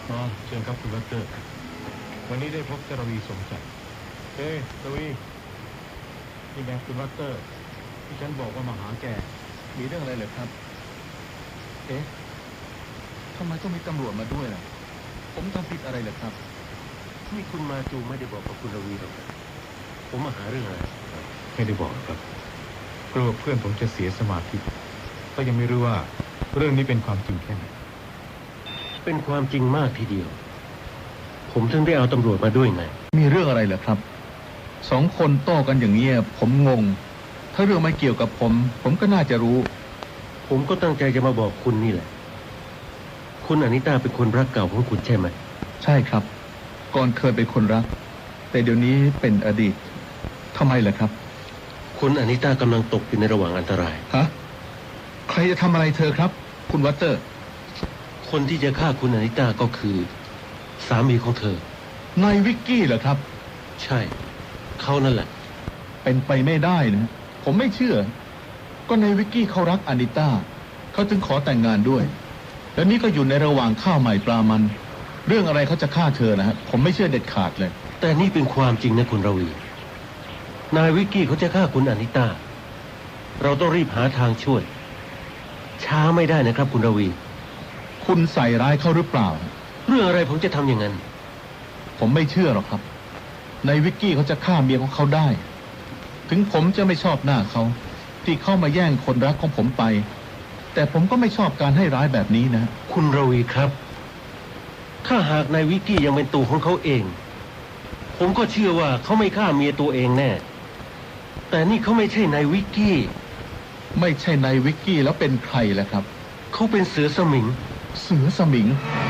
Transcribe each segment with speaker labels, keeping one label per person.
Speaker 1: อ๋อเชิญครับคุณดร.วันนี้ได้พบกรวีสมใจกรวีนี่ไงคุณดร.ที่ฉันบอกว่ามาหาแกมีเรื่องอะไรเหรอครับทำไมต้องมีตำรวจมาด้วยล่ะผมทำผิดอะไรเหรอครับนี่คุณมาจูไม่ได้บอกกับคุณรวีหรอกผมมาหาเรื่องอะไรไม่ได้บอกครับกลัวเพื่อนผมจะเสียสมาธิก็ยังไม่รู้ว่าเรื่องนี้เป็นความจริงแค่ไหน
Speaker 2: เป็นความจริงมากทีเดียวผมถึงได้เอาตำรวจมาด้วยไง
Speaker 1: มีเรื่องอะไรเหรอครับ2 คนโต้กันอย่างนี้ผมงงถ้าเรื่องไม่เกี่ยวกับผมก็น่าจะรู้
Speaker 2: ผมก็ตั้งใจจะมาบอกคุณนี่แหละคุณอนิต้าเป็นคนรักเก่าของคุณใช่ไหม
Speaker 1: ใช่ครับก่อนเคยเป็นคนรักแต่เดี๋ยวนี้เป็นอดีตทำไมล่ะครับ
Speaker 2: คุณอนิต้ากำลังตกอยู่ในระหว่างอันตราย
Speaker 1: ฮะใครจะทำอะไรเธอครับคุณวัตเตอร์
Speaker 2: คนที่จะฆ่าคุณอนิต้าก็คือสามีของเธ
Speaker 1: อนายวิกกี้เหรอครับ
Speaker 2: ใช่เขานั่นแหละ
Speaker 1: เป็นไปไม่ได้นะผมไม่เชื่อก็นายวิกกี้เขารักอนิต้าเขาจึงขอแต่งงานด้วยแล้วนี่ก็อยู่ในระหว่างข้าวใหม่ปลามันเรื่องอะไรเขาจะฆ่าเธอนะฮะผมไม่เชื่อเด็ดขาดเลย
Speaker 2: แต่นี่เป็นความจริงนะคุณรวีนายวิกกี้เขาจะฆ่าคุณอนิต้าเราต้องรีบหาทางช่วยช้าไม่ได้นะครับคุณรวี
Speaker 1: คุณใส่ร้ายเขาหรือเปล่า
Speaker 2: เรื่องอะไรผมจะทำอย่างนั้น
Speaker 1: ผมไม่เชื่อหรอกครับนายวิกกี้เขาจะฆ่าเมียของเขาได้ถึงผมจะไม่ชอบหน้าเขาที่เข้ามาแย่งคนรักของผมไปแต่ผมก็ไม่ชอบการให้ร้ายแบบนี้นะ
Speaker 2: คุณรวีครับถ้าหากนายวิกกี้ยังเป็นตัวของเขาเองผมก็เชื่อว่าเขาไม่ฆ่าเมียตัวเองแน่แต่นี่เขาไม่ใช่นายวิกกี้
Speaker 1: ไม่ใช่นายวิกกี้แล้วเป็นใครล่ะครับ
Speaker 2: เขาเป็นเสือสมิง
Speaker 1: เสือสมิง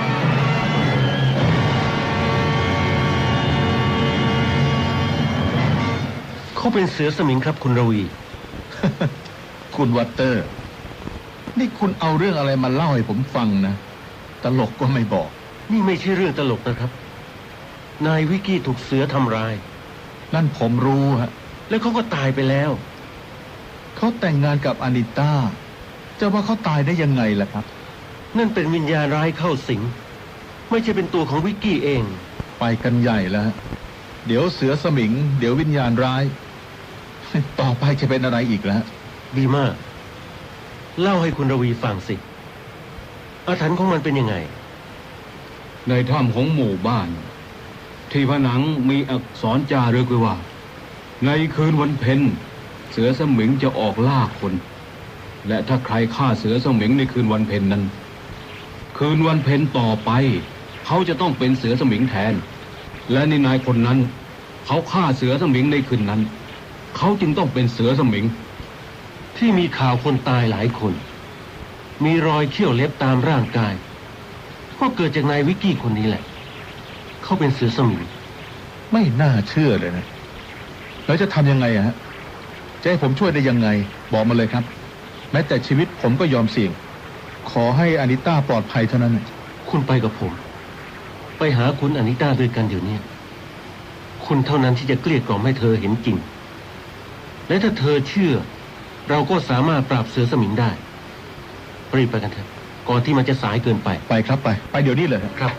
Speaker 2: เขาเป็นเสือสมิงครับคุณรวี
Speaker 1: คุณวัตเตอร์นี่คุณเอาเรื่องอะไรมาเล่าให้ผมฟังนะตลกก็ไม่บอก
Speaker 2: นี่ไม่ใช่เรื่องตลกนะครับนายวิกกี้ถูกเสือทำร้าย
Speaker 1: นั่นผมรู้ฮะ
Speaker 2: แล้วเขาก็ตายไปแล้ว
Speaker 1: เขาแต่งงานกับอนิต้าจะว่าเขาตายได้ยังไงล่ะครับ
Speaker 2: นั่นเป็นวิญญาณร้ายเข้าสิงไม่ใช่เป็นตัวของวิกกี้เอง
Speaker 1: ไปกันใหญ่แล้วเดี๋ยวเสือสมิงเดี๋ยววิญญาณร้ายต่อไปจะเป็นอะไรอีกแล้ว
Speaker 2: ดีมากเล่าให้คุณรวีฟังสิอาถรรพ์ของมันเป็นยังไง
Speaker 3: ในถ้ำของหมู่บ้านที่ผนังมีอักษรจารึกไว้ว่าในคืนวันเพ็ญเสือสมิงจะออกล่าคนและถ้าใครฆ่าเสือสมิงในคืนวันเพ็ญนั้นคืนวันเพ็ญต่อไปเขาจะต้องเป็นเสือสมิงแทนและในนายคนนั้นเขาฆ่าเสือสมิงในคืนนั้นเขาจึงต้องเป็นเสือสมิง
Speaker 2: ที่มีข่าวคนตายหลายคนมีรอยเขี้ยวเล็บตามร่างกายก็เกิดจากนายวิกกี้คนนี้แหละเขาเป็นเสือสมิง
Speaker 1: ไม่น่าเชื่อเลยนะแล้วจะทำยังไงฮะจะให้ผมช่วยได้ยังไงบอกมาเลยครับแม้แต่ชีวิตผมก็ยอมเสี่ยงขอให้อนิต้าปลอดภัยเท่านั้น
Speaker 2: คุณไปกับผมไปหาคุณอนิต้าด้วยกันเดี๋ยวนี้คุณเท่านั้นที่จะเกลี้ยกล่อมให้เธอเห็นจริงและถ้าเธอเชื่อเราก็สามารถปราบเสือสมิงได้รีบไปกันเถอะก่อนที่มันจะสายเกินไป
Speaker 1: ไปครับไปเดี๋ยวนี้เลย
Speaker 2: ครับ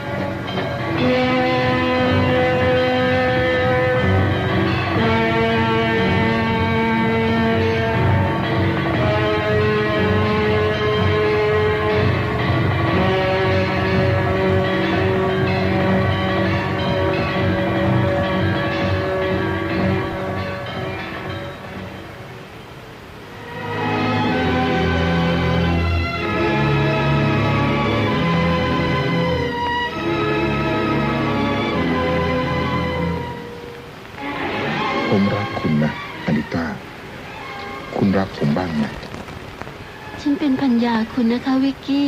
Speaker 4: ผมรักคุณนะอนิต้าคุณรักผมบ้างไหม
Speaker 5: ฉันเป็นภรรยาคุณนะคะวิกกี้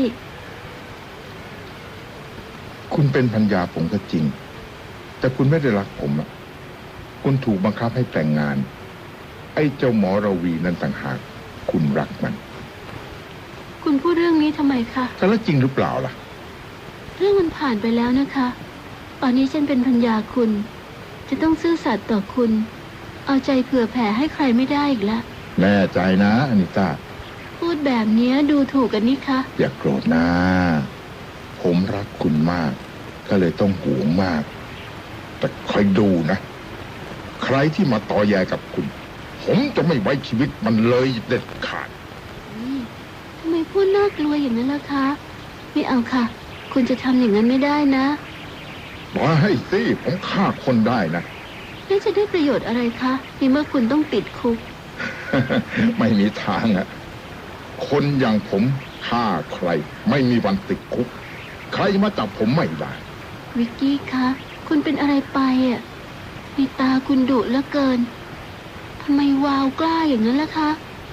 Speaker 4: คุณเป็นภรรยาผมก็จริงแต่คุณไม่ได้รักผมอ่ะคุณถูกบังคับให้แต่งงานไอ้เจ้าหมอราวีนั่นต่างหากคุณรักมัน
Speaker 5: คุณพูดเรื่องนี้ทำไมคะ
Speaker 4: แต่แล้วจริงหรือเปล่าล่ะ
Speaker 5: เรื่องมันผ่านไปแล้วนะคะตอนนี้ฉันเป็นภรรยาคุณจะต้องซื่อสัตย์ต่อคุณเอาใจเผื่อแผ่ให้ใครไม่ได้อีกแล้ว
Speaker 4: แน่ใจนะอนิต้า
Speaker 5: พูดแบบนี้ดูถูกกันนี่คะ
Speaker 4: อย่าโกรธนะผมรักคุณมาก ก็เลยต้องห่วงมาก แต่คอยดูนะ ใครที่มาต่อแยกับคุณ ผมจะไม่ไว้ชีวิตมันเลยเด็ดขาด
Speaker 5: นี่ทำไมพูดน่ากลัวอย่างนั้นล่ะคะ ไม่เอาค่ะ คุณจะทำอย่างนั้นไม่ได้นะ
Speaker 4: มาให้สิผมฆ่าคนได้นะ
Speaker 5: แล้วจะได้ประโยชน์อะไรคะในเมื่อคุณต้องติดคุก
Speaker 4: ไม่มีทางอะคนอย่างผมฆ่าใคร ไม่มีวันติดคุก ใครมาจับผมไม่ได้
Speaker 5: วิกกี้คะ คุณเป็นอะไรไปอ่ะในตาคุณดุเหลือเกิน ทำไมวาวกล้าอย่างนั้นล่ะคะ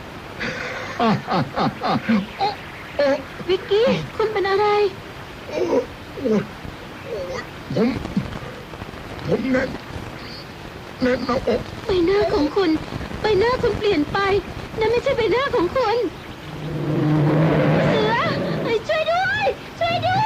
Speaker 5: วิกกี้ คุณเป็นอะไร
Speaker 4: ผมแน่นหน้าอก
Speaker 5: ใบหน้าของคุณ ใบหน้าคุณเปลี่ยนไป นั่นไม่ใช่ใบหน้าของคุณ เสือช่วยด้วย ช่วยด้วย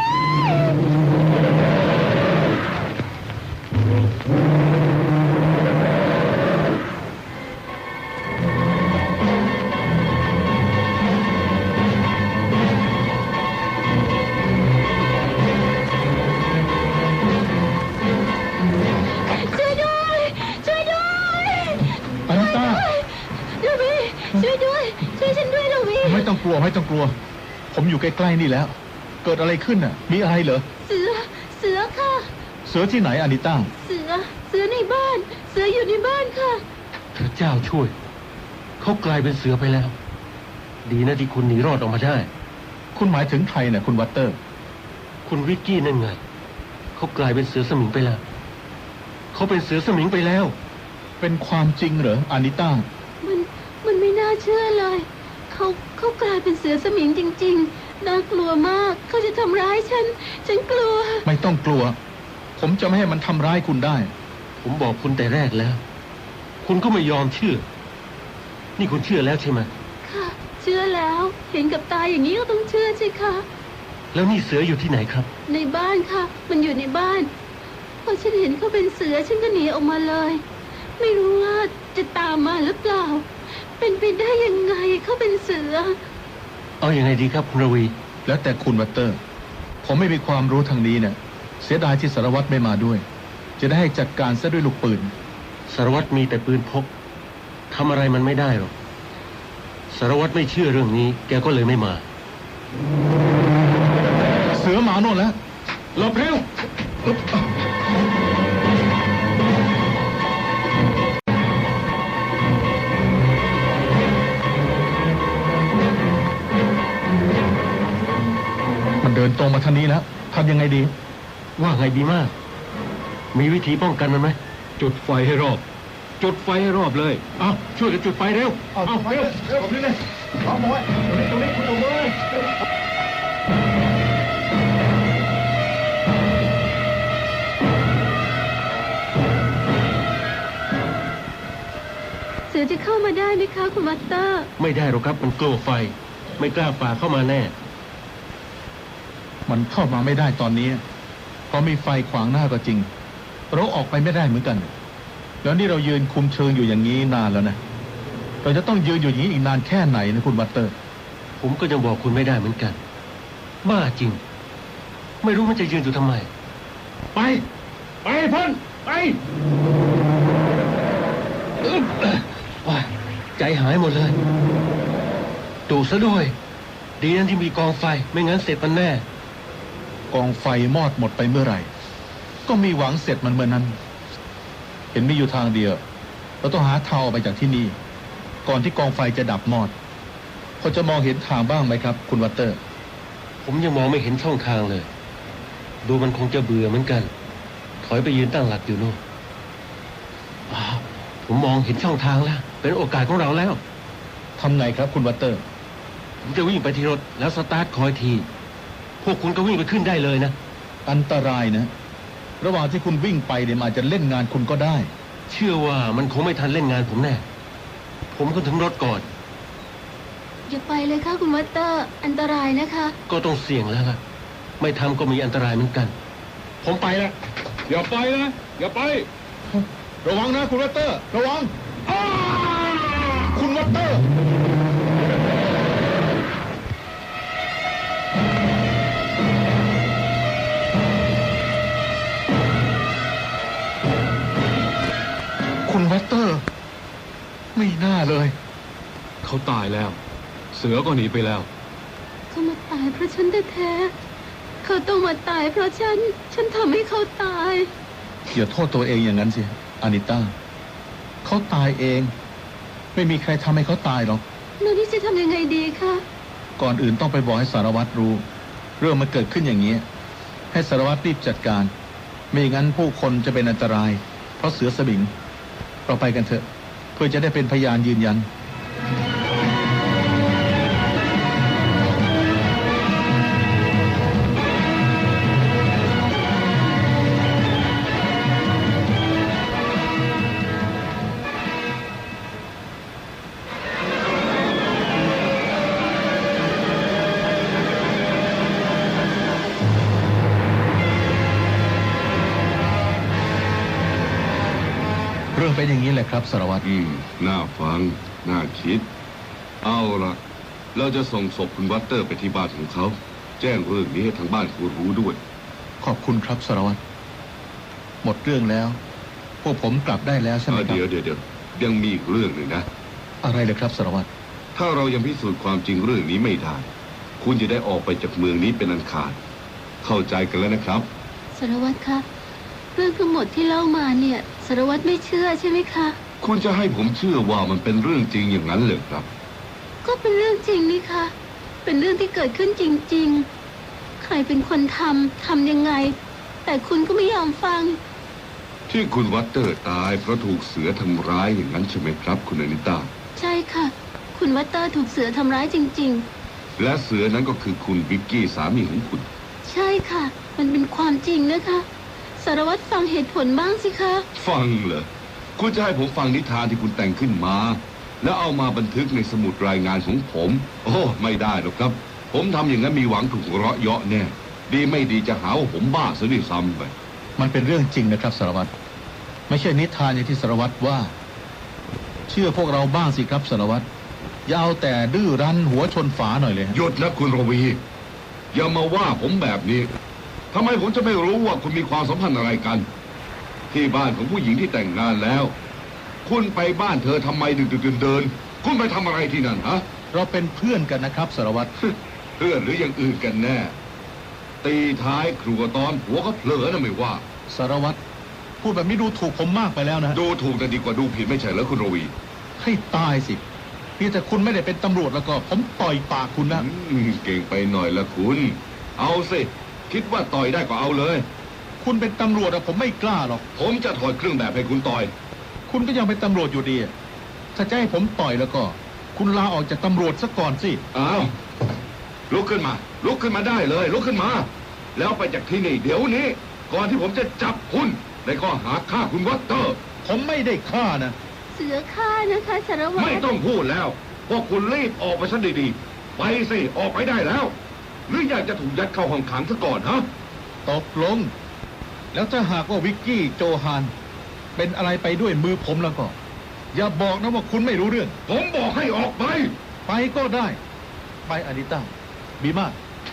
Speaker 5: ช่วยด้วย ช่วยด้วย
Speaker 1: อนิต้า
Speaker 5: ลูวีช่วยด้วย ช่วยฉันด้วยลูวี
Speaker 1: ไม่ต้องกลัวไม่ต้องกลัว ผมอยู่ใกล้ๆนี่แล้ว เกิดอะไรขึ้นน่ะ มีอะไรเหรอ
Speaker 5: เสือค่ะ
Speaker 1: เสือที่ไหนอนิต้า
Speaker 5: เสือในบ้าน เสืออยู่ในบ้านค่ะ
Speaker 2: พระเจ้าช่วย เขากลายเป็นเสือไปแล้ว ดีนะที่คุณหนีรอดออกมาได้
Speaker 1: คุณหมายถึงใครน่ะคุณวัตเตอร์
Speaker 2: คุณวิกกี้นั่นไง เขากลายเป็นเสือสมิงไปแล้ว เขาเป็นเสือสมิงไปแล้ว
Speaker 1: เป็นความจริงเหรออานิต้า
Speaker 5: มันไม่น่าเชื่อเลย เขากลายเป็นเสือสมิงจริงๆ น่ากลัวมาก เขาจะทำร้ายฉันกลัว
Speaker 1: ไม่ต้องกลัว ผมจะไม่ให้มันทำร้ายคุณได้
Speaker 2: ผมบอกคุณแต่แรกแล้ว คุณก็ไม่ยอมเชื่อ นี่คุณเชื่อแล้วใช่ไหม
Speaker 5: ค่ะ เชื่อแล้ว เห็นกับตาอย่างนี้ก็ต้องเชื่อสิคะ
Speaker 2: แล้วนี่เสืออยู่ที่ไหนครับ
Speaker 5: ในบ้านค่ะ มันอยู่ในบ้าน พอฉันเห็นเขาเป็นเสือฉันก็หนีออกมาเลย ไม่รู้ว่าจะตามมาหรือเปล่า เป็นไปได้ยังไงเขาเป็นเสือ
Speaker 2: เอาอย่างไงดีครับคุณรวี
Speaker 1: แล้วแต่คุณวัตเตอร์ ผมไม่มีความรู้ทางนี้เนี่ย เสียดายที่สารวัตรไม่มาด้วย จะได้ให้จัดการซะด้วยลูกปืน
Speaker 2: สารวัตรมีแต่ปืนพกทำอะไรมันไม่ได้หรอก สารวัตรไม่เชื่อเรื่องนี้ แกก็เลยไม่มา
Speaker 1: เสือหมาโน่นแล้ว
Speaker 2: หลบเร็ว
Speaker 1: มันเดินตรงมาทางนี้แล้วทำยังไงดี
Speaker 2: ว่าไงดีมาก มีวิธีป้องกันมันไหม
Speaker 3: จุดไฟให้รอบ จุดไฟให้รอบเลย
Speaker 2: เอาช่วยกันจุดไฟเร็ว เอาเร็ว
Speaker 1: ผมนี่เลยเอาหมวยตรงนี้คุณตรงเลย
Speaker 5: เสือจะเข้ามาได้ไหมคะคุณมัตเตอร์
Speaker 2: ไม่ได้หรอกครับ มันกลัวไฟ ไม่กล้าฝ่าเข้ามาแน่
Speaker 1: มันเข้ามาไม่ได้ตอนนี้ เพราะมีไฟขวางหน้าก็จริง เราออกไปไม่ได้เหมือนกัน แล้วนี่เรายืนคุมเชิงอยู่อย่างนี้นานแล้วนะ เราจะต้องยืนอยู่อย่างนี้อีกนานแค่ไหนนะคุณวัตเตอร์
Speaker 2: ผมก็ยังบอกคุณไม่ได้เหมือนกัน บ้าจริง ไม่รู้มันจะยืนอยู่ทำไม ไป ไปพ่นไปว้ายใจหายหมดเลยดูซะด้วย ดีนั้นที่มีกองไฟ ไม่งั้นเสร็จมันแน่
Speaker 1: กองไฟมอดหมดไปเมื่อไหร่ ก็มีหวังเสร็จมันเมื่อนั้น เห็นมีอยู่ทางเดียว เราต้องหาทางออกไปจากที่นี่ ก่อนที่กองไฟจะดับมอด พอจะมองเห็นทางบ้างไหมครับ คุณวัตเตอร์
Speaker 2: ผมยังมองไม่เห็นช่องทางเลย ดูมันคงจะเบื่อเหมือนกัน ถอยไปยืนตั้งหลักอยู่โน่นอ้าวผมมองเห็นช่องทางแล้ว เป็นโอกาสของเราแล้ว
Speaker 1: ทำไงครับคุณวัตเตอร์
Speaker 2: ผมจะวิ่งไปที่รถแล้วสตาร์ทคอยที พวกคุณก็วิ่งไปขึ้นได้เลยนะ
Speaker 1: อันตรายนะ ระหว่างที่คุณวิ่งไปเนี่ยมันอาจจะเล่นงานคุณก็ได้
Speaker 2: เชื่อว่ามันคงไม่ทันเล่นงานผมแน่ ผมก็ถึงรถก่อน
Speaker 5: อย่าไปเลยค่ะคุณมัตเตอร์ อันตรายนะคะ
Speaker 2: ก็ต้องเสี่ยงแล้วล่ะ ไม่ทำก็มีอันตรายเหมือนกัน ผมไปแล้ว
Speaker 3: อย่าไปนะ อย่าไป
Speaker 1: ระวังนะคุณวัตเตอร์ ระวังคุณวัตเตอร์
Speaker 5: ค
Speaker 4: วัตเตอร์ ไม่น่าเลย
Speaker 3: เขาตายแล้ว เสือก็หนีไปแล้ว
Speaker 5: เขามาตายเพราะฉันแท้ๆเขาต้องมาตายเพราะฉันทำให้เขาตาย
Speaker 4: อย่าโทษตัวเองอย่างนั้นสิอานิต้าเขาตายเอง ไม่มีใครทำให้เขาตายหรอก
Speaker 5: แล้วนี่จะทำยังไงดีคะ
Speaker 4: ก่อนอื่นต้องไปบอกให้สารวัตรรู้ เรื่องมันเกิดขึ้นอย่างนี้ ให้สารวัตรรีบจัดการ ไม่อย่างนั้นผู้คนจะเป็นอันตราย เพราะเสือสมิง เราไปกันเถอะ เพื่อจะได้เป็นพยานยืนยัน เรื่องเป็นอย่างนี้แหละครับสารวัตร
Speaker 6: น่าฟัง น่าคิด เอาละเราจะส่งศพคุณวัตเตอร์ไปที่บ้านของเขา แจ้งเรื่องนี้ให้ทางบ้านคุณรู้ด้วย
Speaker 4: ขอบคุณครับสารวัตร หมดเรื่องแล้ว พวกผมกลับได้แล้วใช่ไหมครับ
Speaker 6: เดี๋ยวยังมีอีกเรื่องหนึ่งนะ
Speaker 4: อะไรเลยครับสารวัตร
Speaker 6: ถ้าเรายังพิสูจน์ความจริงเรื่องนี้ไม่ได้ คุณจะได้ออกไปจากเมืองนี้เป็นอันขาด เข้าใจกันแล้วนะครับ
Speaker 5: สารวัตรคะ เรื่องทั้งหมดที่เล่ามาเนี่ยสารวัตรไม่เชื่อใช่ไหมคะ
Speaker 6: คุณจะให้ผมเชื่อว่ามันเป็นเรื่องจริงอย่างนั้นเหรอครับ
Speaker 5: ก็เป็นเรื่องจริงนี่คะเป็นเรื่องที่เกิดขึ้นจริงๆ ใครเป็นคนทำยังไง แต่คุณก็ไม่ยอมฟัง
Speaker 6: ที่คุณวัตเตอร์ตายเพราะถูกเสือทำร้ายอย่างนั้นใช่ไหมครับคุณอนิต้า
Speaker 5: ใช่ค่ะ คุณวัตเตอร์ถูกเสือทำร้ายจริง
Speaker 6: และเสือนั้นก็คือคุณวิกกี้สามีของคุณ
Speaker 5: ๆ ใช่ค่ะ มันเป็นความจริงนะคะ สารวัตรฟังเหตุผลบ้างสิคะ
Speaker 6: ฟังเหรอ คุณจะให้ผมฟังนิทานที่คุณแต่งขึ้นมา แล้วเอามาบันทึกในสมุดรายงานของผม โอ้ไม่ได้หรอกครับ ผมทำอย่างนั้นมีหวังถูกหัวเราะเยาะแน่ ดีไม่ดีจะหาว่าผมบ้าซะด้วยซ้ำไป
Speaker 4: มันเป็นเรื่องจริงนะครับสารวัตร ไม่ใช่นิทานอย่างที่สารวัตรว่า เชื่อพวกเราบ้างสิครับสารวัตร อย่าเอาแต่ดื้อรั้นหัวชนฝาหน่อยเลยฮะ
Speaker 6: หยุดนะคุณรวี อย่ามาว่าผมแบบนี้ทำไมผมจะไม่รู้ว่าคุณมีความสัมพันธ์อะไรกัน ที่บ้านของผู้หญิงที่แต่งงานแล้ว คุณไปบ้านเธอทำไมดึกๆเดินๆคุณไปทำอะไรที่นั่นฮะ
Speaker 4: เราเป็นเพื่อนกันนะครับสารวัตร
Speaker 6: เพื่อนหรืออย่างอื่นกันแน่ ตีท้ายครัวตอนหัวก็เผลอนะไม่ว่า
Speaker 4: สารวัตร พูดแบบนี้ดูถูกผมมากไปแล้วนะ
Speaker 6: ดูถูกกันดีกว่าดูผิดไม่ใช่เหรอคุณรวี
Speaker 4: ให้ตายสินี่แต่คุณไม่ได้เป็นตำรวจแล้วก็ ผมต่อยปากคุณนะ
Speaker 6: เก่งไปหน่อยละคุณ เอาสิคิดว่าต่อยได้ก็เอาเลย
Speaker 4: คุณเป็นตำรวจอะผมไม่กล้าหรอก
Speaker 6: ผมจะถอดเครื่องแบบให้คุณต่อย
Speaker 4: คุณก็ยังเป็นตำรวจอยู่ดีอะถ้าจะให้ผมต่อยแล้วก็ คุณลาออกจากตำรวจซะก่อนสิ
Speaker 6: อ้าวลุกขึ้นมา ลุกขึ้นมาได้เลย ลุกขึ้นมา แล้วไปจากที่นี่เดี๋ยวนี้ ก่อนที่ผมจะจับคุณในข้อหาฆ่าคุณวัตเตอร์
Speaker 4: ผมไม่ได้ฆ่านะ
Speaker 5: เสือฆ่านะคะสารวัตร
Speaker 6: ไม่ต้องพูดแล้วพวกคุณรีบออกไปซะดีๆ ไปสิออกไปได้แล้ว หรืออยากจะถูกยัดเข้าห้องขังซะก่อนฮะ
Speaker 4: ตกลง แล้วถ้าหากว่าวิกกี้โจฮานเป็นอะไรไปด้วยมือผมแล้วก็ อย่าบอกนะว่าคุณไม่รู้เรื่อง
Speaker 6: ผมบอกให้ออกไป
Speaker 4: ไปก็ได้ ไปอานิต้าบีมา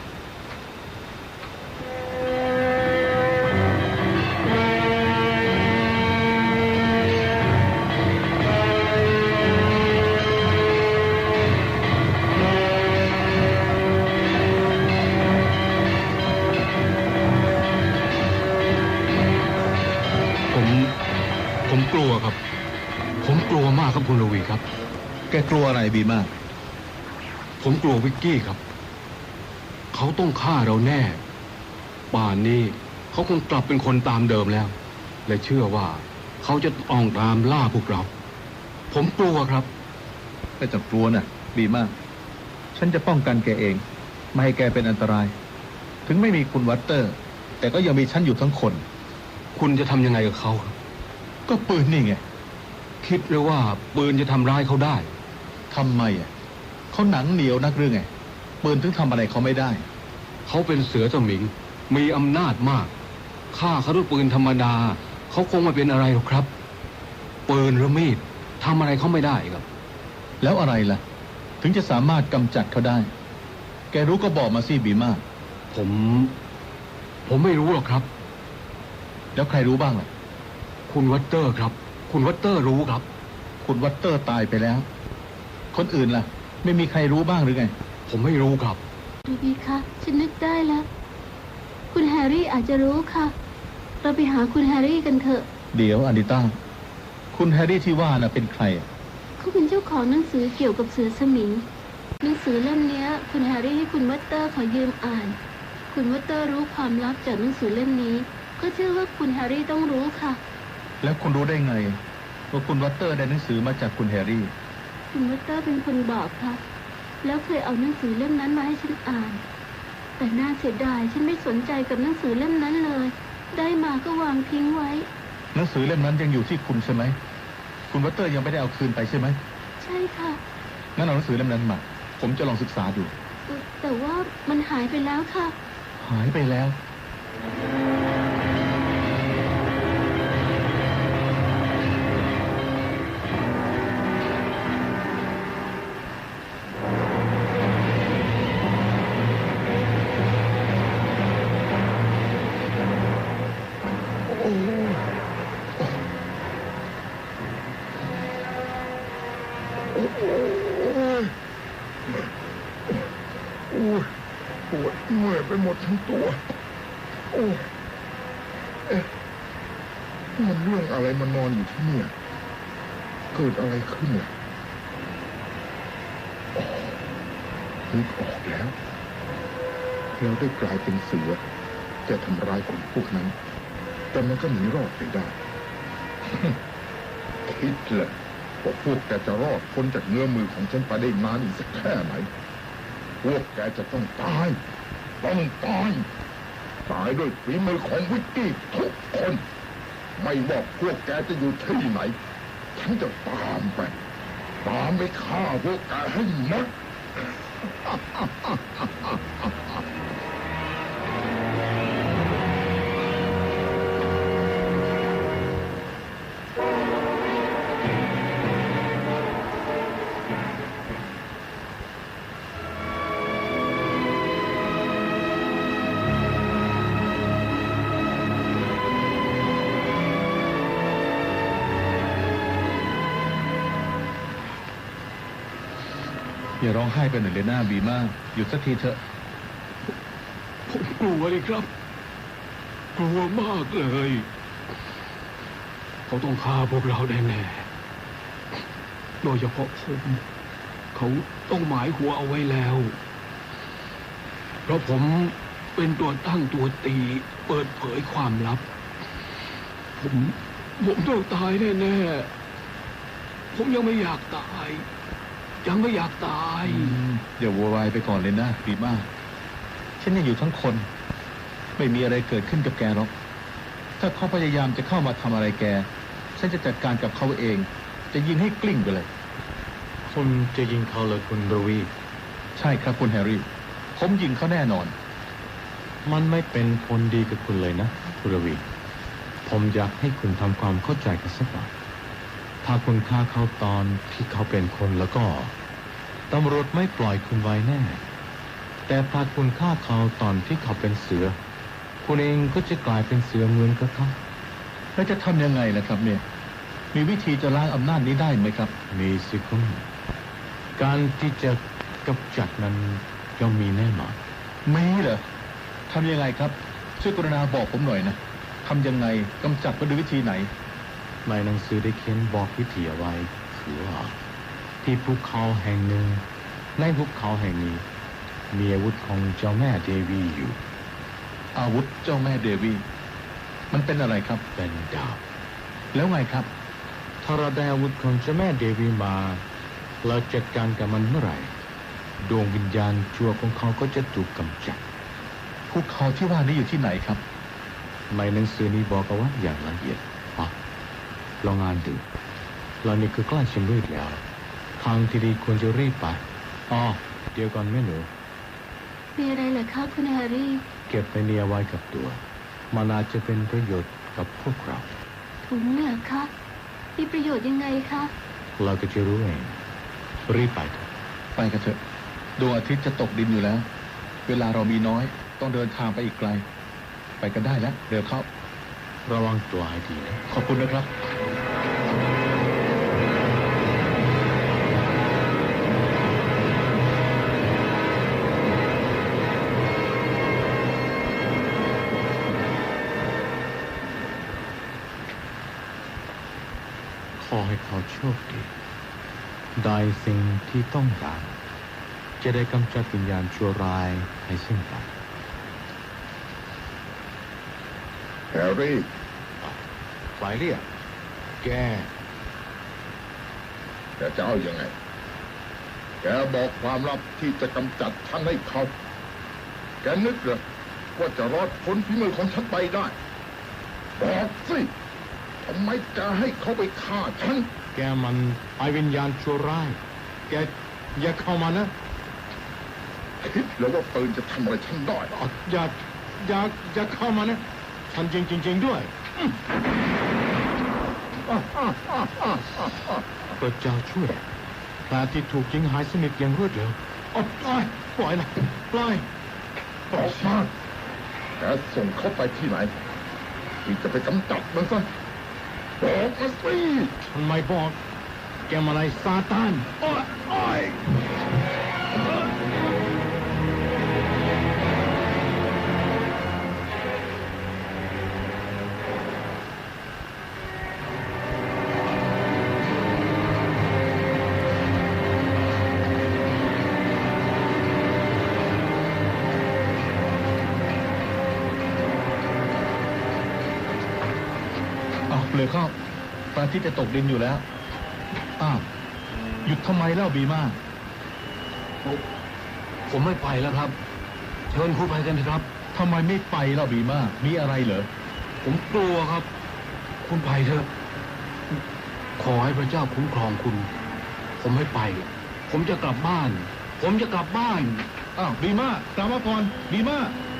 Speaker 3: ผมกลัวครับ ผมกลัวมากครับคุณรวีครับ
Speaker 4: แกกลัวอะไรบีมา
Speaker 3: ผมกลัววิกกี้ครับ เขาต้องฆ่าเราแน่ ป่านนี้เขาคงกลับเป็นคนตามเดิมแล้ว และเชื่อว่าเขาจะออกตามล่าพวกเรา ผมกลัวครับ
Speaker 4: ไม่ต้องกลัวนะบีมาฉันจะป้องกันแกเอง ไม่ให้แกเป็นอันตราย ถึงไม่มีคุณวัตเตอร์ แต่ก็ยังมีฉันอยู่ทั้งคน
Speaker 3: คุณจะทำยังไงกับเขาครับ
Speaker 4: ก็ปืนนี่ไง
Speaker 3: คิดเลยว่าปืนจะทำร้ายเขาได้
Speaker 4: ทำไมอ่ะเขาหนังเหนียวนักหรือไงปืนถึงทำอะไรเขาไม่ได้
Speaker 3: เขาเป็นเสือสมิง มีอำนาจมากฆ่าเขาด้วยปืนธรรมดา เขาคงไม่เป็นอะไรหรอกครับ ปืนหรือมีดทำอะไรเขาไม่ได้ครับ
Speaker 4: แล้วอะไรล่ะ ถึงจะสามารถกำจัดเขาได้ แกรู้ก็บอกมาสิบีมา
Speaker 3: ผมไม่รู้หรอกครับ
Speaker 4: แล้วใครรู้บ้างล่ะ
Speaker 3: คุณวัตเตอร์ครับ คคุณวัตเตอร์รู้ครับ
Speaker 4: คุณวัตเตอร์ตายไปแล้ว คนอื่นล่ะ ไม่มีใครรู้บ้างหรือไง
Speaker 3: ผมไม่รู้ครับ
Speaker 5: ดูบีคะฉันนึกได้แล้ว คุณแฮร์รี่อาจจะรู้ค่ะ เราไปหาคุณแฮร์รี่กันเถอะ
Speaker 4: เดี๋ยวอานิต้าคุณแฮร์รี่ที่ว่าน่ะเป็นใครอะ
Speaker 5: เขาเป็นเจ้าของหนังสือเกี่ยวกับเสือสมิง หนังสือเล่มเนี้ย คุณแฮร์รี่ให้คุณวัตเตอร์ขอยืมอ่าน คุณวัตเตอร์รู้ความลับจากหนังสือเล่มนี้ ก็เชื่อว่าคุณแฮร์รี่ต้องรู้ค่ะ
Speaker 4: แล้วคุณรู้ได้ไงว่าคุณวัตเตอร์ได้หนังสือมาจากคุณแฮร์รี่
Speaker 5: คุณวัตเตอร์เป็นคนบอกค่ะ แล้วเคยเอาหนังสือเล่มนั้นมาให้ฉันอ่าน แต่น่าเสียดายฉันไม่สนใจกับหนังสือเล่มนั้นเลย ได้มาก็วางทิ้งไว้
Speaker 4: หนังสือเล่มนั้นยังอยู่ที่คุณใช่ไหม คุณวัตเตอร์ยังไม่ได้เอาคืนไปใช่ไหม
Speaker 5: ใช่ค่ะ
Speaker 4: งั้นเอาหนังสือเล่มนั้นมา ผมจะลองศึกษาดู
Speaker 5: แต่ว่ามันหายไปแล้วค่ะ
Speaker 4: หายไปแล้ว
Speaker 7: ปวดเมื่อยไปหมดทั้งตัว โอ้เอ๊ะมันเรื่องอะไรมานอนอยู่ที่เนี่ยเกิดอะไรขึ้นล่ะอ๋อนึกออกแล้วเราได้กลายเป็นเสือจะทำร้ายคนพวกนั้น แต่มันก็หนีรอดไปได้ คิดแหละว่าพวกแกจะรอดพ้นจากเงื้อมือของฉันไปได้นานอีกสักแค่ไหน พวกแกจะต้องตาย ต้องตาย ตายด้วยฝีมือของวิกกี้ทุกคน ไม่ว่าพวกแกจะอยู่ที่ไหน ฉันจะตามไปฆ่าพวกแกให้หมด
Speaker 4: อย่าร้องไห้ไปหน่อยเลยหน้าบีมากหยุดสักทีเถอะ
Speaker 3: ผมกลัวเลยครับ กลัวมากเลย เขาต้องฆ่าพวกเราแน่ๆโดยเฉพาะผมเขาต้องหมายหัวเอาไว้แล้ว เพราะผมเป็นตัวตั้งตัวตีเปิดเผยความลับ ผมต้องตายแน่ๆผมยังไม่อยากตาย ยังไม่อยากตาย
Speaker 4: อย่าโวยวายไปก่อนเลยนะบีมากฉันยังอยู่ทั้งคน ไม่มีอะไรเกิดขึ้นกับแกหรอก ถ้าเขาพยายามจะเข้ามาทำอะไรแก ฉันจะจัดการกับเขาเอง จะยิงให้กลิ้งไปเลย
Speaker 2: คุณจะยิงเขาเลยคุณรวี
Speaker 4: ใช่ครับคุณแฮร์รี่ ผมยิงเขาแน่นอน
Speaker 2: มันไม่เป็นผลดีกับคุณเลยนะคุณรวี ผมอยากให้คุณทำความเข้าใจกันสักหน่อยถ้าคุณฆ่าเขาตอนที่เขาเป็นคนแล้วก็ตำรวจไม่ปล่อยคุณไว้แน่ แต่ถ้าคุณฆ่าเขาตอนที่เขาเป็นเสือ คุณเองก็จะกลายเป็นเสือเหมือนกับเขา
Speaker 4: แล้วจะทำยังไงล่ะครับเนี่ย มีวิธีจะล้างอำนาจนี้ได้ไหมครับ
Speaker 2: มีสิคุณการที่จะกำจัดนั้นย่อมมีแน่นอน
Speaker 4: มีเหรอทำยังไงครับ ช่วยกรุณาบอกผมหน่อยนะทำยังไงกำจัดมันด้วยวิธีไหน
Speaker 2: ในหนังสือได้เขียนบอกวิธีเอาไว้คือว่าที่ภูเขาแห่งหนึ่งในภูเขาแห่งนี้มีอาวุธของเจ้าแม่เดวีอยู่
Speaker 4: อาวุธเจ้าแม่เดวีมันเป็นอะไรครับ
Speaker 2: เป็นดาบ
Speaker 4: แล้วไงครับ
Speaker 2: ถ้าเราได้อาวุธของเจ้าแม่เดวีมาเราจัดการกับมันเมื่อไหร่ดวงวิญญาณชั่วของเขาก็จะถูกกำจัด
Speaker 4: ภูเขาที่ว่านี้อยู่ที่ไหนครับ
Speaker 2: ในหนังสือนี้บอกเอาไว้อย่างละเอียดลองอ่านดูเรานี่คือใกล้ชิมมืดแล้วทางที่ดีควรจะรีบไปเดี๋ยวก่อนแม่หนู
Speaker 5: มีอะไรเหรอคะคุณแฮร์รี่
Speaker 2: เก็บไปเนี่ยไว้กับตัวมันอาจจะเป็นประโยชน์กับพวกเรา
Speaker 5: ถุงเหรอคะ มีประโยชน์ยังไงคะ
Speaker 2: เราก็จะรู้เองรีบไปเถอะ
Speaker 4: ไปกันเถอะดวงอาทิตย์จะตกดินอยู่แล้ว เวลาเรามีน้อยต้องเดินทางไปอีกไกล ไปกันได้แล้วเร็วเข้า
Speaker 2: ระวังตัวให้ดีนะ
Speaker 4: ขอบคุณนะครับ
Speaker 2: ค
Speaker 4: อให้เขาโชคดีได้สิ่งที่ต้องการจะได้กำจัดวิญญาณชั่วร้ายให้สิ้นไป
Speaker 7: แฮร์รี่
Speaker 4: ฝ่ายเรียกแก
Speaker 7: จะเอาอยัางไง แกบอกความลับที่จะกำจัดฉันให้เขา แกนึกเหรอว่าจะรอดพ้นฝีมือของฉันไปได้ บอกสิทำไมแกให้เขาไปฆ่าฉัน
Speaker 4: แกมันไอวิญญาณชั่วร้ายแกอย่าเข้ามานะ
Speaker 7: คิดแล้วว่าปืนจะทำอะไรฉันได้
Speaker 4: อย่าเข้ามานะฉันจริงด้วยพระเจ้าช่วยแผลที่ถูกยิงหายสนิทอย่างรวดเร็วปล่อยนะปล่อย
Speaker 7: ออกมาแกส่งเขาไปที่ไหน ที่จะไปกำจัดมันซะบอกมาสิ
Speaker 4: ทำไมบอกแกมาอะไรซาตาน เปลือกเข้าพระอาทิตย์จะตกดินอยู่แล้วหยุดทำไมเล่าบีมาผมไม่ไปแล้วครับเชิญคุณไปกันเถอะครับทำไมไม่ไปเล่าบีมามีอะไรเหรอผมกลัวครับ คุณไปเถอะขอให้พระเจ้าคุ้มครองคุณ ผมไม่ไป ผมจะกลับบ้านบีมากลับมาก่อนบีมา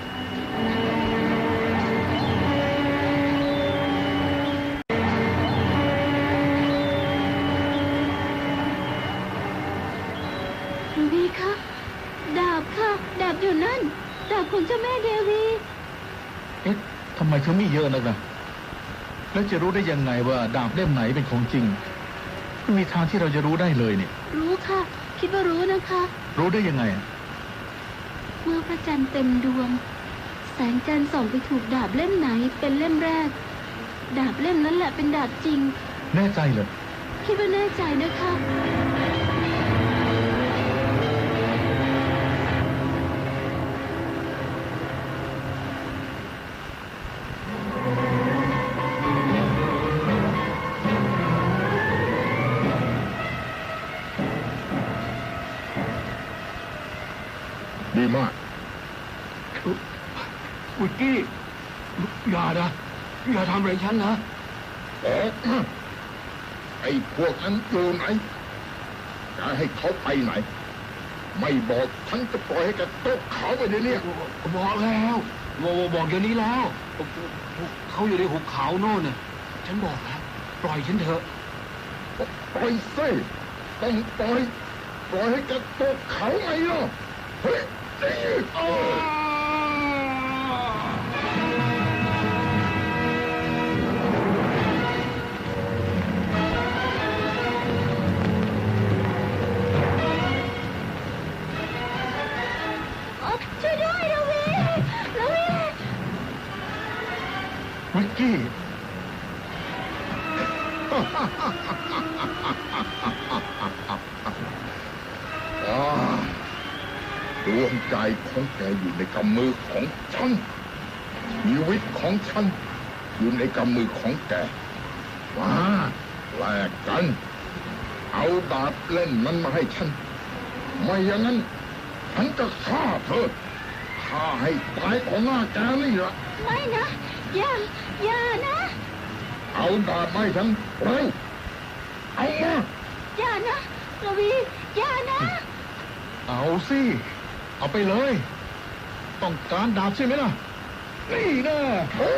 Speaker 5: ดาบอยู่นั่นดาบของเจ้าแม่เดวี
Speaker 4: ทำไมเขามีเยอะนักนะแล้วจะรู้ได้ยังไงว่าดาบเล่มไหนเป็นของจริงไม่มีทางที่เราจะรู้ได้เลยเนี่ย
Speaker 5: รู้ค่ะคิดว่ารู้นะคะ
Speaker 4: รู้ได้ยังไง
Speaker 5: เมื่อพระจันทร์เต็มดวงแสงจันทร์ส่องไปถูกดาบเล่มไหนเป็นเล่มแรกดาบเล่มนั้นแหละเป็นดาบจริง
Speaker 4: แน่ใจเหรอ
Speaker 5: คิดว่าแน่ใจนะคะ
Speaker 7: ดีมาก
Speaker 4: วิกกี้อย่าทำอะไรฉันนะ
Speaker 7: ไอ้พวกนั้นอยู่ไหนจะให้เขาไปไหนไม่บอกฉันจะปล่อยให้แกตกเขาไปเดี๋ยวนี้
Speaker 4: บอกแล้วบอกเดี๋ยวนี้แล้วเขาอยู่ในหุบเขาโน่นน่ะฉันบอกแล้วปล่อยฉันเถอะ
Speaker 7: ปล่อยสิต้องปล่อยให้แกตกเขาไงล่ะเฮ้ย
Speaker 5: ช่วยด้วยลวี
Speaker 4: วิกกี้
Speaker 7: ดวงใจของแกอยู่ในกำมือของฉันชีวิตของฉันอยู่ในกำมือของแกมาแลกกันเอาดาบเล่นมันมาให้ฉันไม่อย่างนั้นฉันจะฆ่าเธอฆ่าให้ตายของหน้าแกนี่ละ
Speaker 5: ไม่นะอย่านะ
Speaker 7: เอาดาบให้ฉันเร็วเอามา
Speaker 5: อย่านะลวีอย่านะ
Speaker 4: เอาสิเอาไปเลยต้องการดาบใช่ไหมล่ะนี่นะ